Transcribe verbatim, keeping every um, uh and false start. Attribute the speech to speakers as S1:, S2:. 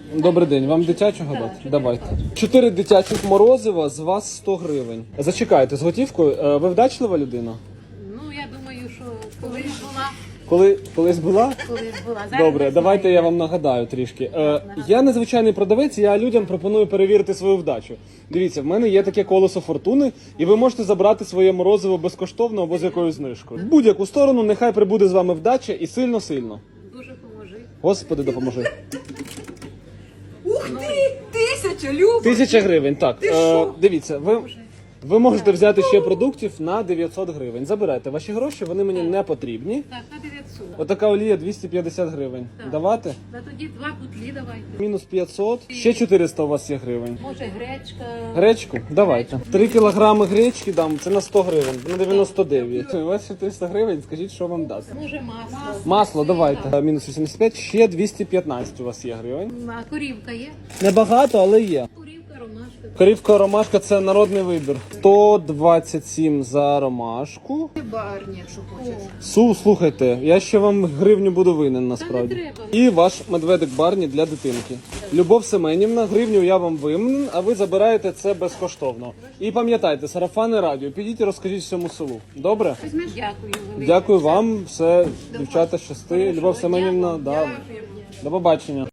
S1: Добрий день, вам дитячого дати? Давайте. Чотири дитячих морозива, з вас сто гривень. Зачекайте, з готівкою. Е, Ви вдачлива людина?
S2: Ну, я думаю, що колись була,
S1: Коли, колись була?
S2: колись була. Зараз
S1: Добре,
S2: не
S1: давайте
S2: знаю.
S1: я вам нагадаю трішки. Е, я незвичайний продавець, я людям пропоную перевірити свою вдачу. Дивіться, в мене є таке колесо фортуни, і ви можете забрати своє морозиво безкоштовно або з якоюсь знижкою. В будь-яку сторону, нехай прибуде з вами вдача і сильно-сильно.
S2: Дуже поможи.
S1: Господи, допоможи.
S3: Ух ти! Тисяча, Люба!
S1: Тисяча гривень, так.
S3: Ти
S1: Е,
S3: що?
S1: дивіться, ви, ви можете взяти ще продуктів на дев'ятсот гривень. Забирайте ваші гроші, вони мені не потрібні.
S2: Так, на дев'ятсот.
S1: Отака олія двісті п'ятдесят гривень.
S2: Так.
S1: Давати?
S2: Та тоді два бутлі давайте.
S1: Мінус п'ятсот. Ще чотириста у вас є гривень.
S2: Може гречка.
S1: Гречку? Давайте. три кілограми гречки дам, це на сто гривень, на дев'яносто дев'ять. У вас ще триста гривень, скажіть, що вам дасть.
S2: Може масло.
S1: Масло, давайте. Мінус вісімдесят п'ять, ще двісті п'ятнадцять у вас є гривень.
S2: А корівка є?
S1: Небагато, але є.
S2: Корівка, ромашка.
S1: Корівка ромашка це народний вибір. сто двадцять сім за ромашку.
S3: Барні, якщо хочеш.
S1: Су, слухайте, я ще вам гривню буду винен насправді.
S2: Та не треба.
S1: І ваш медведик Барні для дитинки. Любов Семенівна, гривню я вам винен, а ви забираєте це безкоштовно. І пам'ятайте, сарафани радіо, підіть і розкажіть всьому селу. Добре?
S2: Дякую велике.
S1: Дякую вам, все, дівчата, щасти. Любов Семенівна, да. До побачення.